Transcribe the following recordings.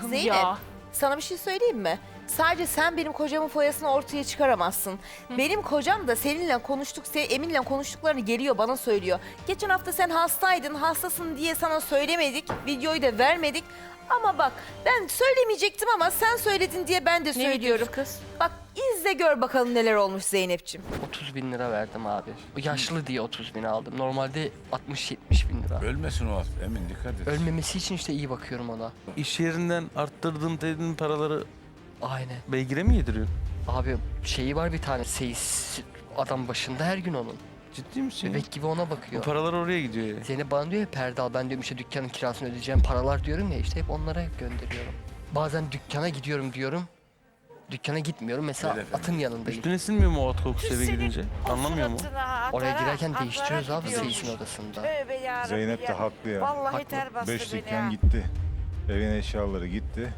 Zeynep, ya. sana bir şey söyleyeyim mi? Sadece sen benim kocamın foyasını ortaya çıkaramazsın. Benim kocam da seninle konuştuk, Emin'le konuştuklarını geliyor bana söylüyor. Geçen hafta sen hastaydın, hastasın diye sana söylemedik, videoyu da vermedik. Ama bak ben söylemeyecektim ama sen söyledin diye ben de Ne söylüyorum. videosu kız? Bak izle gör bakalım neler olmuş Zeynep'ciğim. 30 bin lira verdim abi. O yaşlı diye 30 bin aldım. Normalde 60-70 bin lira. Ölmesin o Emin, dikkat et. Ölmemesi için işte iyi bakıyorum ona. İş yerinden arttırdığın dediğin paraları Aynen. beygire mi yediriyorsun? Abi şeyi var bir tane seyis adam başında her gün onun. Ciddi misin? Bebek gibi ona Bu bakıyor. paralar oraya gidiyor ya. Zeynep bana diyor ya perde al, ben diyorum işte dükkanın kirasını ödeyeceğim paralar diyorum ya, işte hep onlara gönderiyorum. Bazen dükkana gidiyorum diyorum. Dükkana gitmiyorum mesela, Evet efendim. atın yanındayım. Üstüne sinmiyor mu o at kokusu eve gidince? Anlamıyor mu? Oraya girerken değiştiriyoruz abi seyisin odasında. Zeynep de haklı ya. Vallahi Haklı. ter bastı 5 beni dükkan ya. gitti. Evin eşyaları gitti.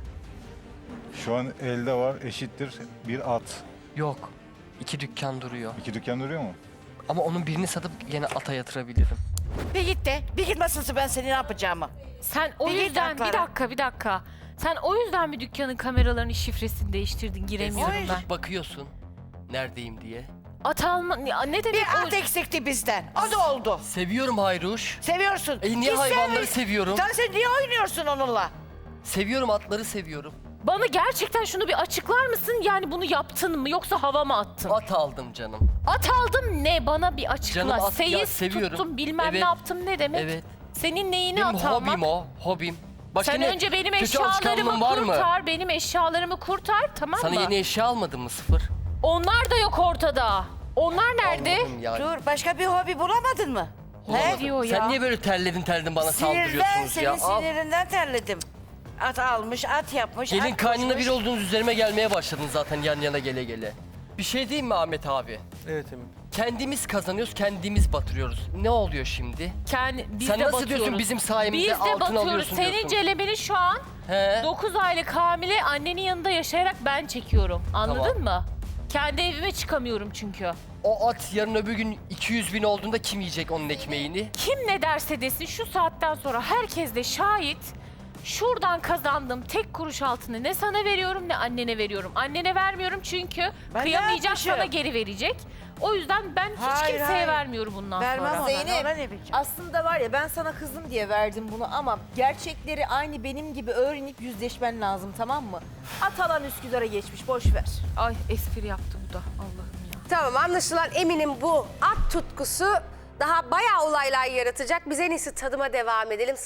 Şu an elde var eşittir bir at. Yok. 2 dükkan duruyor. 2 dükkan duruyor mu? Ama onun birini satıp yine ata yatırabilirim. Bir git de, bir gitmesin ben seni ne yapacağımı. Sen o Bir git yüzden haklara. bir dakika. Sen o yüzden mi dükkanın kameralarının şifresini değiştirdin? Giremiyorum Oy. ben. Bakıyorsun neredeyim diye. At alma ne demek Bir o? at eksikti bizden. O da oldu. Seviyorum Hayruş. Seviyorsun. Niye Git hayvanları sev. seviyorum? Sen niye oynuyorsun onunla? Seviyorum, atları seviyorum. Bana gerçekten şunu bir açıklar mısın? Yani bunu yaptın mı yoksa hava mı attın? At aldım canım. At aldım ne? Bana bir açıkla. Canım at- ya Seyis seviyorum. tuttum bilmem Evet. ne yaptım ne demek? Evet. Senin neyini Benim at almak? hobim o, hobim. Başka Sen ne- önce benim kötü alışkanlığın eşyalarımı var mı? kurtar, benim eşyalarımı kurtar tamam Sana mı? yeni eşya almadın mı, sıfır? Onlar da yok ortada. Onlar nerede? Anladım yani. Dur başka bir hobi bulamadın mı? Bulamadım. diyor ya? Sen niye böyle terledin bana Sinirden, saldırıyorsunuz senin ya? Al. sinirinden terledim. At almış, at yapmış, Gelin at kaynına koşmuş. bir olduğunuz üzerime gelmeye başladın zaten yan yana gele gele. Bir şey diyeyim mi Ahmet abi? Evet Emin. Kendimiz kazanıyoruz, kendimiz batırıyoruz. Ne oluyor şimdi? Biz Sen de nasıl batıyoruz. diyorsun bizim sayemizde Biz de altın batıyoruz. alıyorsun Senin diyorsun. celemini şu an He? 9 aylık hamile annenin yanında yaşayarak ben çekiyorum. Anladın Tamam. mı? Kendi evime çıkamıyorum çünkü. O at yarın öbür gün 200 bin olduğunda kim yiyecek onun ekmeğini? Kim ne derse desin şu saatten sonra herkes de şahit. Şuradan kazandığım tek kuruş altını ne sana veriyorum ne annene veriyorum. Annene vermiyorum çünkü Ben ne kıyamayacak yapmışım? sana geri verecek. O yüzden ben hiç Hayır, kimseye hayır. vermiyorum bundan Vermem sonra. ona, Zeynep, ona ne bileceğim? aslında var ya ben sana kızım diye verdim bunu ama gerçekleri aynı benim gibi öğrenip yüzleşmen lazım tamam mı? Atalan Üsküdar'a geçmiş boş ver. Ay espri yaptı bu da Allah'ım ya. Tamam anlaşılan Emin'in bu at tutkusu daha bayağı olaylar yaratacak. Biz en iyisi tadıma devam edelim.